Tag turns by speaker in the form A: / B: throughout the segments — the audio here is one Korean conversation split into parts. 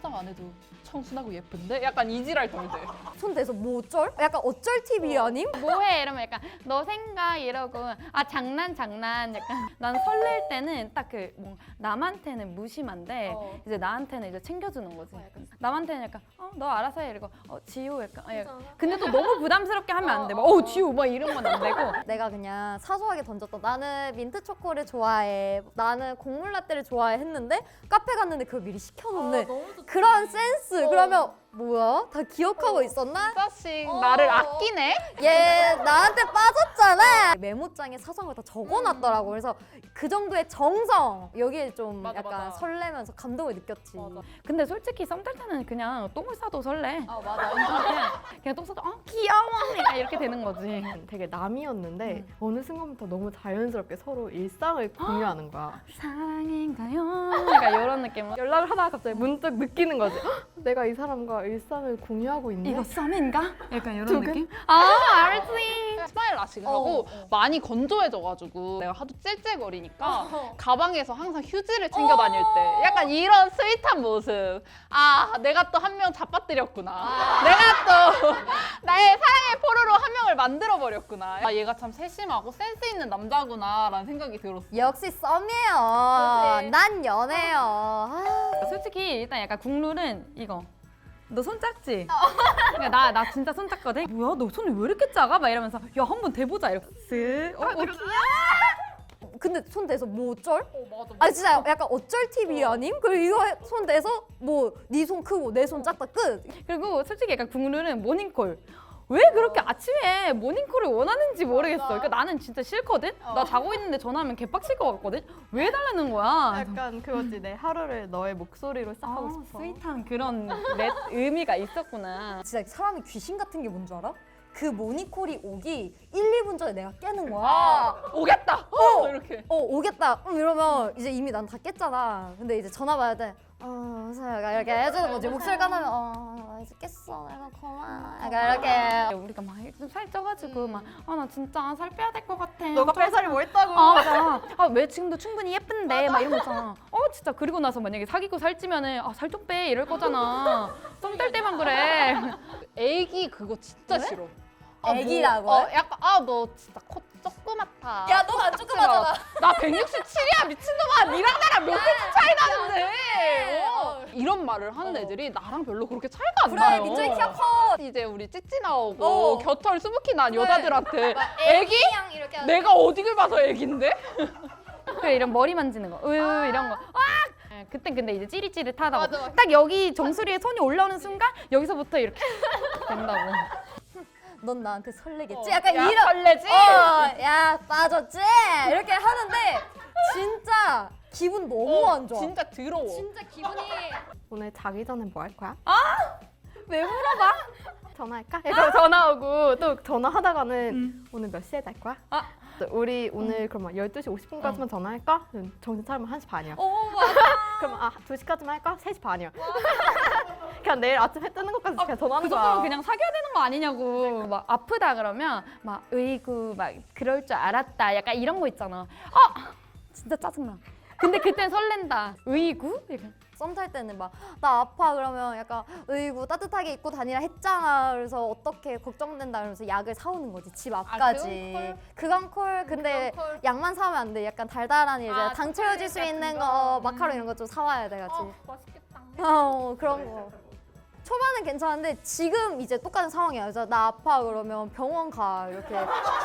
A: 화장 안 해도 청순하고 예쁜데? 약간 이지랄 덜 돼.
B: 손 대서 뭐 어쩔? 약간 어쩔 TV 아님?
C: 뭐해 이러면 약간 너 생각 이러고 아 장난 약간 난 설렐 때는 딱 그 뭐 남한테는 무심한데 이제 나한테는 이제 챙겨주는 거지. 남한테는 약간 너 알아서 해 이러고 지호 약간 근데 또 너무 부담스럽게 하면 안 돼. 막 지호 막 이런 건 안 되고.
B: 내가 그냥 사소하게 던졌다. 나는 민트 초코를 좋아해. 나는 곡물 라떼를 좋아해 했는데 카페 갔는데 그걸 미리 시켜놓네. 그런 센스. 그러면 뭐야? 다 기억하고 있었나?
A: 진짜씩 나를 아끼네?
B: 얘 나한테 빠졌잖아. 메모장에 사소한 걸 다 적어놨더라고. 그래서 그 정도의 정성 여기에 좀
A: 맞아,
B: 약간
A: 맞아.
B: 설레면서 감동을 느꼈지.
C: 근데 솔직히 썸 탈 때는 그냥 똥을 싸도 설레.
A: 맞아.
C: 그냥 똥 싸도 귀여워 약간 이렇게 되는 거지.
D: 되게 남이었는데 어느 순간부터 너무 자연스럽게 서로 일상을 공유하는 거야.
C: 사랑인가요? 약간 이런 느낌.
D: 연락을 하다가 갑자기 문득 느끼는 거지. 헉, 내가 이 사람과 일상을 공유하고 있네.
C: 이거 썸인가? 약간 이런
D: 두근?
C: 느낌? 알지.
A: 스마일 라식을 하고 많이 건조해져가지고 내가 하도 찔찔거리니까 가방에서 항상 휴지를 챙겨 다닐 때 약간 이런 스윗한 모습. 아, 내가 또 한 명 잡아뜨렸구나. 내가 또 나의 사랑의 포로로 한 명을 만들어버렸구나. 아, 얘가 참 세심하고 센스 있는 남자구나 라는 생각이 들었어.
B: 역시 썸이에요. 난 연애요. 아,
C: 솔직히 일단 약간 국룰은 이거. 너 손 작지? 그러니까 나 진짜 손 작거든? 뭐야 너 손이 왜 이렇게 작아? 막 이러면서 야 한번 대보자 이렇게 쓱
B: 근데 손 대서 뭐 어쩔?
A: 맞아.
B: 아 진짜 약간 어쩔 TV 아님? 그리고 이거 손 대서 뭐 네 손 크고 내 손 작다 끝.
C: 그리고 솔직히 약간 국룰은 모닝콜 왜 그렇게 아침에 모닝콜을 원하는지 모르겠어. 그러니까 나는 진짜 싫거든? 나 자고 있는데 전화하면 개빡칠 것 같거든? 왜 해달라는 거야?
D: 약간 그거지. 내 하루를 너의 목소리로 시작하고 싶어.
C: 스윗한 그런 의미가 있었구나.
B: 진짜 사람이 귀신 같은 게 뭔 줄 알아? 그 모니콜이 오기 1, 2분 전에 내가 깨는 거야.
A: 오겠다! 이렇게.
B: 오겠다. 이러면 이제 이미 난 다 깼잖아. 근데 이제 전화 받을 때 그래서 약간 이렇게 해주는 거지. 목소리 까나면 나 이제 깼어. 내가 고마워. 약간 이렇게.
C: 우리가 막 좀 살쪄가지고 막 나 진짜 살 빼야 될 것 같아.
D: 너가 뺄살이 뭐 있다고?
C: 맞아. 왜 지금도 충분히 예쁜데 막 이런 거 있잖아. 진짜 그리고 나서 만약에 사귀고 살찌면은 살 좀 빼 이럴 거잖아. 썸 탈 때만 그래.
A: 애기 그거 진짜 싫어.
B: 애기라고?
A: 약간 너 진짜 코 조그맣다.
B: 야, 넌 안 조그마하잖아.
A: 나 167이야 미친놈아. 니랑 나랑 몇 cm 차이 나는데. 이런 말을 하는 애들이 나랑 별로 그렇게 차이가 안
B: 그래,
A: 나요.
B: 민정이 키가 커.
A: 이제 우리 찌찌 나오고 겨털 수북히 난 여자들한테 애기?
B: 이렇게
A: 내가 어디를 봐서 애기인데?
C: 그래 이런 머리 만지는 거, 이런 거. 그땐 근데 이제 찌릿찌릿하다고. 딱 여기 정수리에 손이 올라오는 순간 여기서부터 이렇게 된다고.
B: 넌 나한테 설레겠지? 약간
A: 야,
B: 이런.
A: 설레지?
B: 야 빠졌지? 이렇게 하는데 진짜 기분 너무 안 좋아.
A: 진짜 더러워.
B: 진짜 기분이.
D: 오늘 자기 전에 뭐 할 거야?
C: 왜 물어봐?
D: 전화할까? 그래서 전화 오고 또 전화하다가는 오늘 몇 시에 잘 거야? 또 우리 오늘 그러면 12시 50분까지만 전화할까? 정신 차리면 1시 반이야. 그러면 2시까지만 할까? 3시 반이야. 그냥 내일 아침 해 뜨는 것까지 그냥 전화하는
C: 그
D: 거야.
C: 정도면 그냥 사귀어야 되는 거 아니냐고. 막 아프다 그러면 막 으이구 막 그럴 줄 알았다. 약간 이런 거 있잖아. 진짜 짜증나. 근데 그땐 설렌다. 으이구? 약간.
B: 썸 탈 때는 막 나 아파 그러면 약간 으이구 따뜻하게 입고 다니라 했잖아. 그래서 어떻게 걱정된다 그러면서 약을 사오는 거지 집 앞까지. 그건 콜. 근데 약만 사오면 안 돼. 약간 달달한 이제 당 채워질 수 있는 거 마카롱 이런 거 좀 사와야 돼가지고.
A: 맛있겠다.
B: 그런 거. 초반은 괜찮은데 지금 이제 똑같은 상황이야. 그래서 나 아파 그러면 병원 가 이렇게.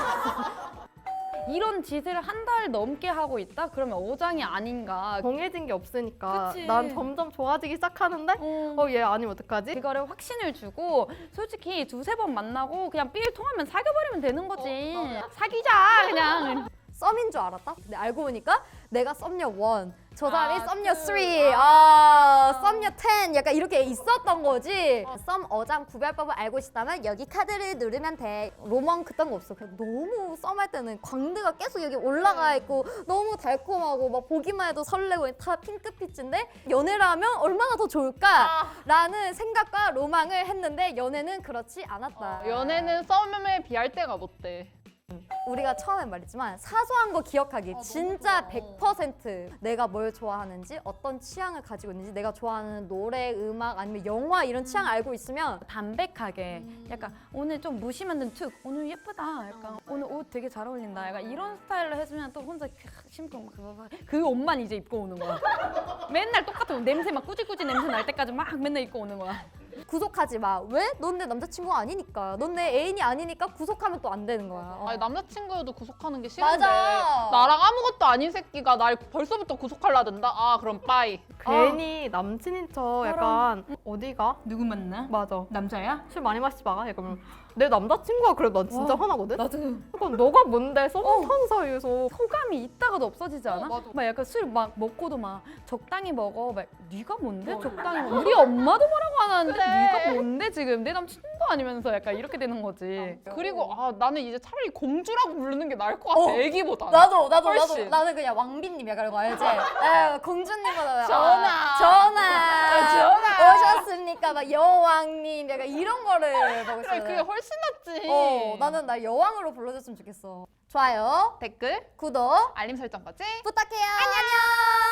C: 이런 짓을 한 달 넘게 하고 있다? 그러면 어장이 아닌가.
D: 정해진 게 없으니까
C: 그치.
D: 난 점점 좋아지기 시작하는데 얘 아니면 어떡하지?
C: 그거를 확신을 주고 솔직히 2-3번 만나고 그냥 삘 통하면 사귀어버리면 되는 거지. 사귀자 그냥.
B: 썸인 줄 알았다? 근데 알고 보니까 내가 썸녀 1, 저 사람이 썸녀 3, 썸녀 10 약간 이렇게 있었던 거지. 썸 어장 구별법을 알고 싶다면 여기 카드를 누르면 돼. 로망 그딴 거 없어. 그냥 너무 썸할 때는 광대가 계속 여기 올라가 있고 너무 달콤하고 막 보기만 해도 설레고 다 핑크빛인데 연애를 하면 얼마나 더 좋을까라는 생각과 로망을 했는데 연애는 그렇지 않았다.
A: 연애는 썸에 비할 데가 못 돼.
B: 우리가 처음에 말했지만 사소한 거 기억하기 진짜 100% 내가 뭘 좋아하는지 어떤 취향을 가지고 있는지 내가 좋아하는 노래, 음악 아니면 영화 이런 취향 알고 있으면
C: 담백하게 약간 오늘 좀 무심한 듯 오늘 예쁘다 약간 오늘 옷 되게 잘 어울린다 약간 이런 스타일로 해주면 또 혼자 심쿵 그 옷만 이제 입고 오는 거야. 맨날 똑같은 옷 냄새 막 꾸질꾸질 냄새 날 때까지 막 맨날 입고 오는 거야.
B: 구속하지 마. 왜? 넌 내 남자친구가 아니니까. 넌 내 애인이 아니니까 구속하면 또 안 되는 거야.
A: 아니 남자친구여도 구속하는 게 싫은데
B: 맞아.
A: 나랑 아무것도 아닌 새끼가 날 벌써부터 구속하려 든다? 아 그럼 빠이.
D: 괜히 남친인 척 약간 어디가?
C: 누구 만나?
D: 맞아.
C: 남자야?
D: 술 많이 마시지 마. 약간 내 남자친구가 그래 난 진짜 화나거든.
C: 나도
D: 약간 너가 뭔데 썸 타는 사이에서
C: 호감이 있다가도 없어지지 않아?
A: 맞아.
C: 막 약간 술 막 먹고도 막 적당히 먹어. 막 네가 뭔데? 적당히 먹어. 우리 엄마도 뭐라고 안 하는데
A: 그래.
C: 네가 뭔데 지금 내 남친도 아니면서 약간 이렇게 되는 거지.
A: 그리고 나는 이제 차라리 공주라고 부르는 게 나을 것 같아. 애기보다.
B: 나도
A: 훨씬.
B: 나는 그냥 왕비님 약간 이거 알지? 에, 공주님보다
A: 전하.
B: 전하 오셨습니까? 막 여왕님 약간 이런 거를 보고
A: 그래
B: 있어.
A: 그게 훨씬 낫지.
B: 나는 날 여왕으로 불러줬으면 좋겠어. 좋아요,
A: 댓글,
B: 구독
A: 알림 설정까지.
B: 부탁해요. 안녕.